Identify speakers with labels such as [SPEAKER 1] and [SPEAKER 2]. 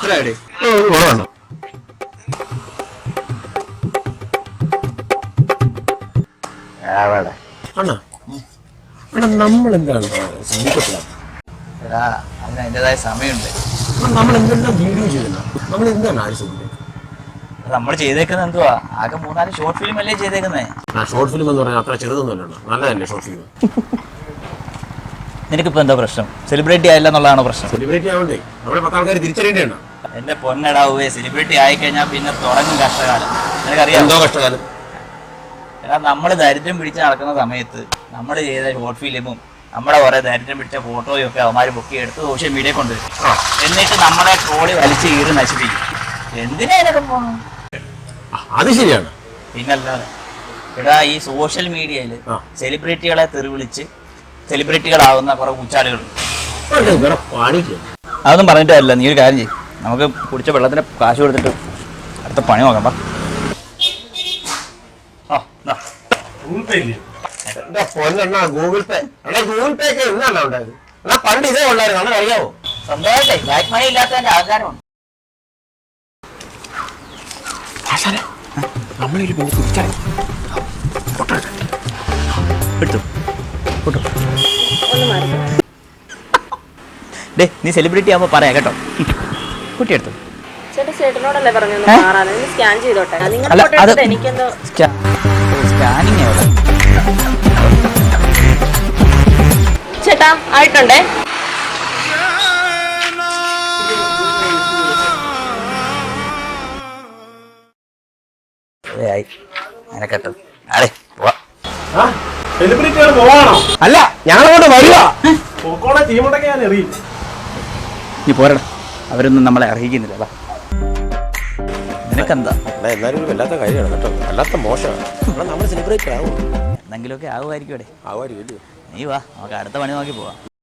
[SPEAKER 1] നമ്മളെന്താണ്
[SPEAKER 2] അതിന് അതിൻ്റെതായ സമയമുണ്ട്.
[SPEAKER 1] നമ്മൾ എന്തെല്ലാം വീഡിയോ ചെയ്യുന്ന നമ്മൾ എന്താണ് ആര് ശ്രദ്ധിക്കുന്നത്?
[SPEAKER 2] നമ്മൾ ചെയ്തേക്കുന്നത് എന്തുവാ? ആകെ 3-4 ഷോർട്ട് ഫിലിം അല്ലേ ചെയ്തേക്കുന്നേ.
[SPEAKER 1] ഷോർട്ട് ഫിലിം എന്ന് പറഞ്ഞാൽ അത്ര ചെറുതൊന്നുമല്ലോ, നല്ലതല്ലേ ഷോർട്ട് ഫിലിം?
[SPEAKER 2] നിനക്കിപ്പോ എന്താ പ്രശ്നം? സെലിബ്രിറ്റി ആയില്ല എന്നുള്ളതാണോ പ്രശ്നം?
[SPEAKER 1] സെലിബ്രിറ്റി ആവണ്ടേ, നമ്മുടെ 10 ആൾക്കാർ തിരിച്ചറിയേണ്ടതാണ്.
[SPEAKER 2] എന്റെ പൊന്നടാവേ, സെലിബ്രിറ്റി ആയിക്കഴിഞ്ഞാൽ പിന്നെ തുടങ്ങും കഷ്ടകാലം. നിനക്കറിയാം
[SPEAKER 1] എന്തോ കഷ്ടകാലം.
[SPEAKER 2] എടാ, നമ്മൾ ദരിദ്രം പിടിച്ച് നടക്കുന്ന സമയത്ത് നമ്മൾ ചെയ്ത ഷോർട്ട് ഫിലിമും നമ്മുടെ കുറെ ദരിദ്രം പിടിച്ച ഫോട്ടോയും ഒക്കെ അവന്മാർ ബുക്ക് എടുത്ത് സോഷ്യൽ മീഡിയ കൊണ്ടുവരും. എന്നിട്ട് നമ്മളെ ട്രോളി വലിച്ച് കീറി നശിപ്പിക്കും. എന്തിനാ ഇതൊക്കെ പോകണം?
[SPEAKER 1] അത് ശരിയാണ്.
[SPEAKER 2] പിന്നല്ലാതെ എടാ, ഈ സോഷ്യൽ മീഡിയയിൽ സെലിബ്രിറ്റികളെ തെറിവിളിച്ച് സെലിബ്രിറ്റികളാവുന്ന കുറെ ഉച്ചാടുകളുണ്ട്. അതൊന്നും പറഞ്ഞിട്ടല്ല. നീ ഒരു കാര്യം ചെയ്യും, നമുക്ക് കുടിച്ച വെള്ളത്തിന് കാശ് കൊടുത്തിട്ട് അടുത്ത പണി നോക്കാം.
[SPEAKER 1] ഗൂഗിൾ പേ ഒക്കെ എന്നാണ് ഉണ്ടായത്? പണ്ട് ഇതേ ഉള്ളായിരുന്നു, അറിയാവോ?
[SPEAKER 2] സ്വന്തമായിട്ടേ ബ്ലാക്ക് മണി ഇല്ലാത്തതിന്റെ ആചാരമുണ്ട്.
[SPEAKER 1] നമ്മളൊരു
[SPEAKER 2] നീ സെലിബ്രിറ്റി ആവുമ്പോ പറയാ കേട്ടോ. കുട്ടിയെടുത്തു
[SPEAKER 3] ചേട്ടനോടല്ലേ പറഞ്ഞു സ്കാൻ ചെയ്തോട്ടെ.
[SPEAKER 2] സ്കാനിങ്
[SPEAKER 3] ചേട്ടാ ആയിട്ടുണ്ടേ.
[SPEAKER 1] അല്ല, ഞങ്ങളോട് വരിക.
[SPEAKER 2] നീ പോരടാ, അവരൊന്നും നമ്മളെ അർഹിക്കുന്നില്ല. നിനക്കെന്താ?
[SPEAKER 1] എല്ലാവരും വല്ലാത്ത കാര്യമാണ് കേട്ടോ, വല്ലാത്ത മോശമാണ്. നമ്മൾ സെലിബ്രേറ്റ് ആവും,
[SPEAKER 2] എന്തെങ്കിലുമൊക്കെ ആവുമായിരിക്കും.
[SPEAKER 1] ആവുമായിരിക്കും.
[SPEAKER 2] നീ വാ, നമുക്ക് അടുത്ത പണി നോക്കി പോവാം.